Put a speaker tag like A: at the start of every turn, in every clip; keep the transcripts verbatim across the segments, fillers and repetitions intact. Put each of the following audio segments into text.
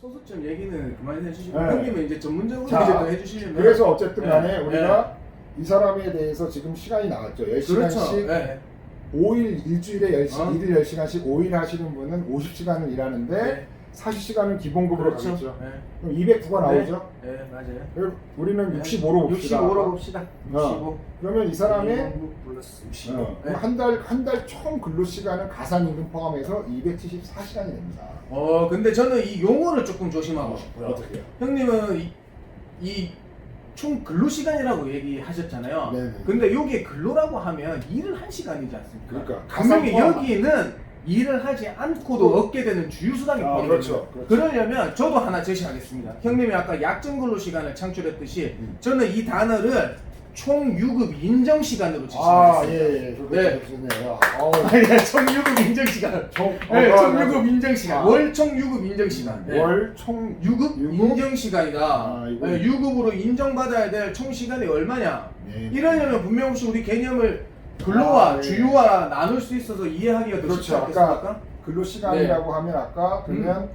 A: 소수점 얘기는 그만 해주시고
B: 네.
A: 형님은 이제 전문적으로
B: 자,
A: 이제 또 해주시려면
B: 그래서 어쨌든 간에
A: 네.
B: 우리가 이 사람에 대해서 지금 시간이 나왔죠. 열 시간씩
A: 그렇죠. 네.
B: 오 일 일주일에 열 시,
A: 어?
B: 일일 열 시간씩 오 일 하시는 분은 오십 시간을 일하는데
A: 네.
B: 사십 시간은 기본급으로
A: 그렇죠.
B: 가겠죠.
A: 네.
B: 그럼 이백구가 나오죠.
A: 네, 네 맞아요.
B: 그럼 우리는
A: 네.
B: 육십오로 봅시다.
A: 육십오로 봅시다. 육십오.
B: 어. 그러면 이 사람의
A: 플러스 육십오.
B: 어,
A: 네.
B: 한 달 한 달 총 근로 시간은 가산임금 포함해서 이백칠십사 시간이 됩니다.
A: 어 근데 저는 이 용어를 조금 조심하고 싶고요.
B: 어떻게요?
A: 형님은 이, 이 총 근로 시간이라고 얘기하셨잖아요.
B: 네네.
A: 근데 여기에 근로라고 하면 일을 한 시간이지 않습니까?
B: 그러니까
A: 분명히
B: 가산 포함-
A: 여기는 일을 하지 않고도 얻게 되는 주휴수당이
B: 아,
A: 포함이
B: 그렇죠,
A: 됩니다.
B: 그렇죠.
A: 그러려면 저도 하나 제시하겠습니다. 형님이 아까 약정 근로 시간을 창출했듯이
B: 음.
A: 저는 이 단어를 총 유급 인정 시간으로
B: 아,
A: 제시하겠습니다.
B: 예, 예. 그거
A: 네.
B: 좋네요. 어우,
A: 아니, 총 유급 인정 시간.
B: 총,
A: 네,
B: 어,
A: 총
B: 맞아.
A: 유급 인정 시간.
B: 아.
A: 월 총 유급 인정 시간. 네.
B: 월총
A: 유급,
B: 유급?
A: 인정 시간이다.
B: 아, 이거-
A: 네, 유급으로 인정받아야 될 총 시간이 얼마냐?
B: 네.
A: 이러려면 분명 혹시 우리 개념을 근로와
B: 아, 예.
A: 주휴와 나눌 수 있어서 이해하기가 더 쉽지
B: 그렇죠.
A: 않겠습니까?
B: 아까 근로 시간이라고 하면 아까 그러면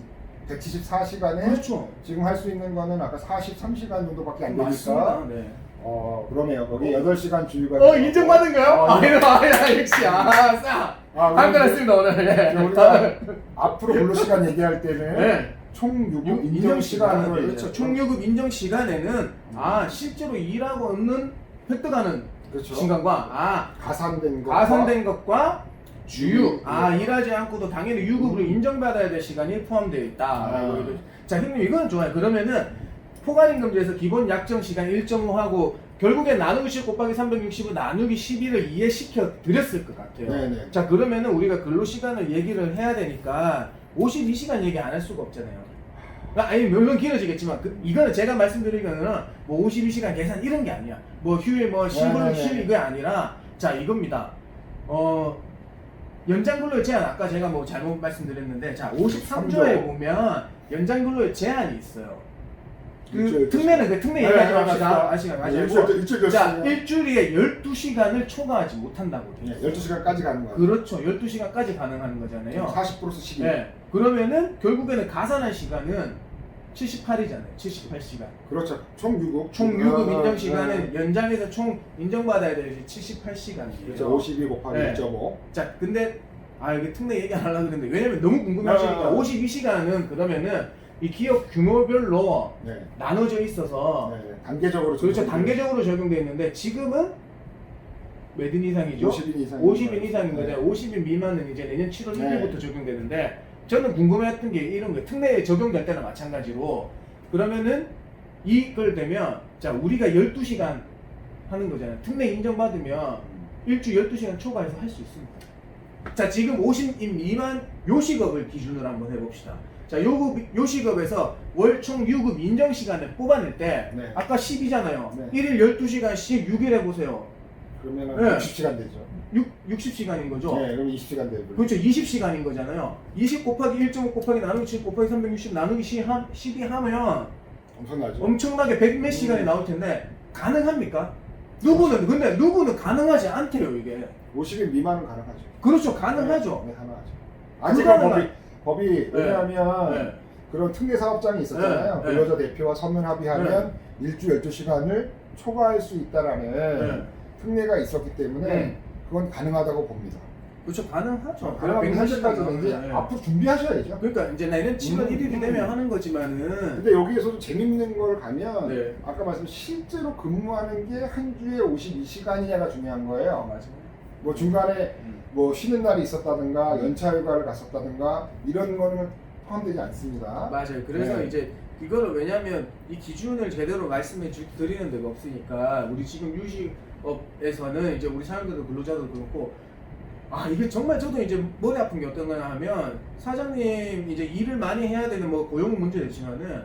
B: 백칠십사 시간에
A: 그렇죠.
B: 지금 할 수 있는 거는 아까 사십삼 시간 정도밖에 안 되니까
A: 맞습니다. 네.
B: 어 그러면 거기 여덟 시간 주휴가
A: 어 인정받은가요?
B: 어,
A: 아, 이거 아니야 역시 아 싸.
B: 아,
A: 한
B: 우리
A: 거였습니다 오늘. 네.
B: 이제 우리가 앞으로 근로 시간 얘기할 때는
A: 네.
B: 총 유급
A: 유-
B: 인정 시간으로
A: 그렇죠.
B: 얘기하죠.
A: 총유급 인정 시간에는 아 실제로 일하고 얻는 획득하는
B: 그렇죠.
A: 시간과 아
B: 가산된 거
A: 가산된 것과 주휴
B: 음,
A: 아
B: 음.
A: 일하지 않고도 당연히 유급으로
B: 음.
A: 인정받아야 될 시간이 포함되어 있다.
B: 아.
A: 자 형님 이건 좋아요. 그러면은 포괄임금제에서 기본 약정 시간 일 점 오 하고 결국에 나누기 십 곱하기 삼백육십을 나누기 십일을 이해시켜 드렸을 것 같아요.
B: 네네.
A: 자 그러면은 우리가 근로 시간을 얘기를 해야 되니까 오십이 시간 얘기 안 할 수가 없잖아요. 아니 물론 길어지겠지만 그, 이거는 제가 말씀드리기는 뭐 오십이 시간 계산 이런 게 아니야. 뭐 휴일 뭐 십일
B: 네네네.
A: 십 이게 아니라 자 이겁니다. 어 연장 근로의 제한 아까 제가 뭐 잘못 말씀드렸는데 자 오십삼 조에 보면 연장 근로의 제한이 있어요. 그
B: 일주일
A: 특례는 그 특례 얘기하지 맙시다. 아시간
B: 일주일
A: 마시고
B: 일주일
A: 자
B: 자
A: 일주일에 열두 시간을 초과하지 못한다고 돼 있어요.
B: 열두 시간까지 가는 거예요.
A: 그렇죠. 열두 시간까지 가능한 거잖아요.
B: 사십 플러스 십이.
A: 네. 그러면은 결국에는 가산한 시간은 칠십팔이잖아요. 칠십팔 시간.
B: 그렇죠. 총 유급.
A: 총 유급
B: 아,
A: 인정 시간은
B: 네.
A: 연장해서 총 인정받아야 될 칠십팔 시간이에요.
B: 그렇죠. 오십이 곱하기
A: 네.
B: 일 점 오.
A: 자, 근데 아 이게 특례 얘기 안 하려고 그랬는데 왜냐면 너무 궁금하시니까
B: 아.
A: 오십이 시간은 그러면은 이 기업 규모별로
B: 네.
A: 나눠져 있어서
B: 네. 단계적으로
A: 그렇죠.
B: 적용돼요.
A: 단계적으로 적용되어 있는데 지금은 몇 인 이상이죠?
B: 오십 인 이상.
A: 오십 인 이상인 거죠.
B: 네.
A: 오십 인 미만은 이제 내년 칠월
B: 네.
A: 일 일부터 적용되는데 저는 궁금했던 게 이런 거예요. 특례에 적용될 때나 마찬가지로 그러면은 이걸 되면 자 우리가 열두 시간 하는 거잖아요. 특례 인정받으면 일주 열두 시간 초과해서 할 수 있습니다. 자 지금 오십 인 미만 요식업을 기준으로 한번 해봅시다. 자 요급, 요식업에서 월 총 유급 인정 시간을 뽑아낼 때
B: 네.
A: 아까 십이잖아요.
B: 네.
A: 일 일 열두 시간씩 육 일 해보세요.
B: 그러면은
A: 네.
B: 육십 시간 되죠.
A: 육, 육십 시간인 거죠?
B: 네, 그럼 이십 시간 되고.
A: 그렇죠. 이십 시간인 거잖아요. 이십 곱하기 일 점 오 곱하기 나누기 칠 곱하기 삼백육십 나누기 십이 하면
B: 엄청나죠.
A: 엄청나게 백 몇 시간이
B: 음.
A: 나올 텐데 가능합니까? 누구는 근데 누구는 가능하지 않대요 이게.
B: 오십 인 미만은 가능하죠.
A: 그렇죠. 가능하죠.
B: 네, 가능하죠. 아직은
A: 불가능한-
B: 법이 법이 왜냐하면
A: 네.
B: 그런 특례 사업장이 있었잖아요.
A: 네, 네.
B: 근로자 대표와 서면 합의하면 일주 열두 시간을 초과할 수 있다라는
A: 네.
B: 특례가 있었기 때문에
A: 네.
B: 그건 가능하다고 봅니다.
A: 그렇죠. 가능하죠.
B: 가능하면
A: 백 몇 시간
B: 현재까지는 이제
A: 나오면, 네.
B: 앞으로 준비하셔야죠.
A: 그러니까 이제 내년 칠월
B: 음,
A: 일 일이
B: 음.
A: 되면 하는 거지만은
B: 근데 여기에서도 재밌는 걸 가면
A: 네.
B: 아까 말씀 실제로 근무하는 게 한 주에 오십이 시간이냐가 중요한 거예요.
A: 맞아요.
B: 뭐 중간에
A: 음.
B: 뭐 쉬는 날이 있었다든가 연차 휴가를 갔었다든가 이런 거는 포함되지 않습니다.
A: 맞아요. 그래서
B: 네.
A: 이제 이거를 왜냐면 이 기준을 제대로 말씀해 주, 드리는 데가 없으니까 우리 지금 유식업에서는 이제 우리 사람들도 근로자도 그렇고 아 이게 정말 저도 이제 머리 아픈 게 어떤 거냐 하면 사장님 이제 일을 많이 해야 되는 뭐 고용 문제도 있지만은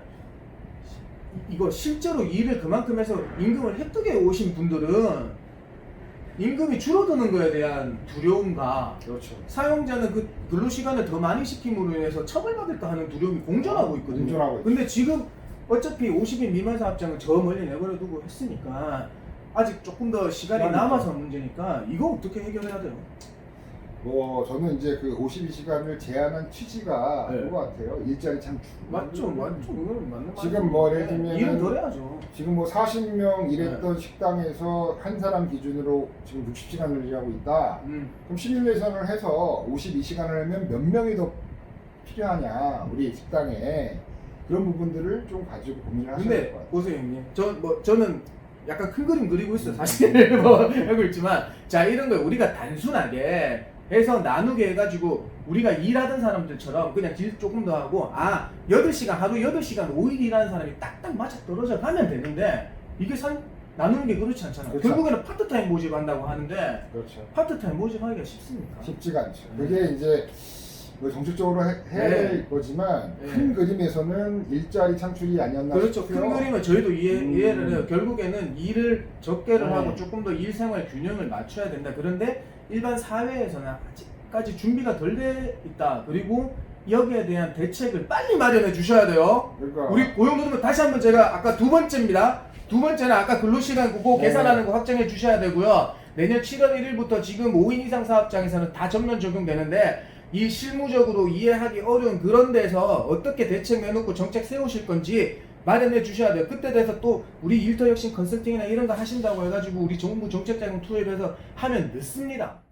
A: 이거 실제로 일을 그만큼 해서 임금을 획득해 오신 분들은 임금이 줄어드는 거에 대한 두려움과
B: 그렇죠.
A: 사용자는 그 근로 시간을 더 많이 시킴으로 인해서 처벌받을까 하는 두려움이 공존하고 있거든요.
B: 공존하고 있죠.
A: 근데 지금 어차피 오십 인 미만 사업장은 저 멀리 내버려 두고 했으니까 아직 조금 더 시간이
B: 시간이
A: 남아서 문제니까 이거 어떻게 해결해야 돼요?
B: 뭐 저는 이제 그 오십이 시간을 제한한 취지가
A: 네.
B: 그거 같아요. 일자리 창출.
A: 맞죠, 맞죠. 이거는 맞는
B: 지금 뭐 예를
A: 말이에요.
B: 들면은
A: 일은 덜 해야죠.
B: 지금 뭐 사십 명 일했던
A: 네.
B: 식당에서 한 사람 기준으로 지금 육십 시간을 일하고 있다.
A: 음.
B: 그럼 시뮬레이션을 해서 오십이 시간을 하면 몇 명이 더 필요하냐 우리 식당에 그런 부분들을 좀 가지고 고민을 하셔야 될
A: 근데
B: 것 같아요.
A: 보세요 형님, 저 뭐 저는 약간 큰 그림 그리고 있어 사실 뭐 알고 있지만, 자 이런 거 우리가 단순하게 해서 나누게 해가지고 우리가 일하던 사람들처럼 그냥 질 조금 더 하고, 아 여덟 시간 하루 여덟 시간 오 일 일하는 사람이 딱딱 맞아 떨어져 가면 되는데, 이게 산 나누는 게 그렇지 않잖아요.
B: 그렇죠.
A: 결국에는 파트타임 모집한다고 하는데
B: 그렇죠.
A: 파트타임 모집하기가 쉽습니까?
B: 쉽지가 않죠.
A: 음.
B: 그게 이제 뭐 정책적으로 해, 해야
A: 네.
B: 될 거지만
A: 네.
B: 큰 그림에서는 일자리 창출이 아니었나
A: 그렇죠.
B: 싶고요.
A: 큰 그림은 저희도 이해,
B: 음.
A: 이해를 해요. 결국에는 일을 적게를
B: 네.
A: 하고 조금 더 일생활 균형을 맞춰야 된다. 그런데 일반 사회에서는 아직까지 준비가 덜 돼 있다. 그리고 여기에 대한 대책을 빨리 마련해 주셔야 돼요.
B: 그러니까
A: 우리 고용노동부 다시 한번 제가 아까 두 번째입니다. 두 번째는 아까 근로시간 그거
B: 네.
A: 계산하는 거 확정해 주셔야 되고요. 내년 칠월 일일부터 지금 오 인 이상 사업장에서는 다 전면 적용되는데, 이 실무적으로 이해하기 어려운 그런 데서 어떻게 대책 내놓고 정책 세우실 건지 마련해 주셔야 돼요. 그때 돼서 또 우리 일터혁신 컨설팅이나 이런 거 하신다고 해가지고 우리 정부 정책자금 투입해서 하면 늦습니다.